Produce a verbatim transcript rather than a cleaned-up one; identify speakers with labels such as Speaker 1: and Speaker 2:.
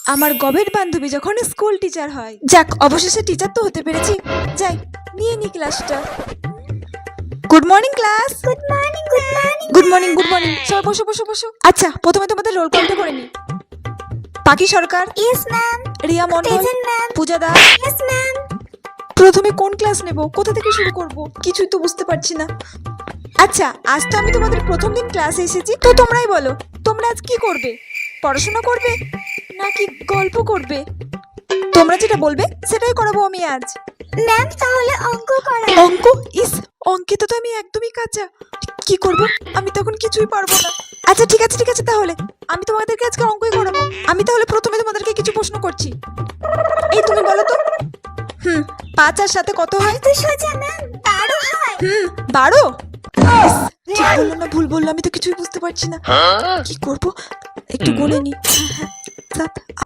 Speaker 1: আমার গবের বান্ধবী যখন স্কুল টিচার হয়। যাক, অবশেষে টিচার তো হতে পেরেছি। যাই, নিয়ে নি ক্লাসটা। Good morning class.
Speaker 2: Good morning good morning
Speaker 1: good morning good morning সবাই বসো বসো বসো। আচ্ছা, প্রথমে তোমাদের রোল কলটা করে নি। Pakhi Sarkar,
Speaker 2: yes ma'am.
Speaker 1: Riya Mondal,
Speaker 2: present ma'am.
Speaker 1: Puja Das.
Speaker 2: Yes ma'am.
Speaker 1: প্রথমে কোন ক্লাস নেব, কোথা থেকে শুরু করব, কিছুই তো বুঝতে পারছি না। আচ্ছা, আজ তো আমি তোমাদের প্রথম দিন ক্লাসে এসেছি, তো তোমরাই বলো, তোমরা আজ কি করবে? পড়াশোনা করবে নাকি গল্প করবে? তোমরা যেটা বলবে সেটাই করাবো আমি আজ।
Speaker 2: ম্যাম তাহলে অঙ্ক করা।
Speaker 1: অঙ্ক? ইস, অঙ্কে তো আমি একদমই কাঁচা। কি করব? আমি তখন কিছুই পারবো না। আচ্ছা ঠিক আছে ঠিক আছে, তাহলে আমি তোমাদেরকে আজকে অঙ্কই করাবো। আমি তাহলে প্রথমে তোমাদেরকে কিছু প্রশ্ন করছি। এই তুমি বলো তো, হুম পাঁচ আর সাথে কত হয়?
Speaker 2: তো সোজা ম্যাম, বারো হয়।
Speaker 1: হুম বারো। ইস, ঠিক বললো না ভুল বললো, আমি তো কিছুই বুঝতে পারছি না। কি করব? একটু গুনে নি। হ্যাঁ, হ্যাঁ, সাত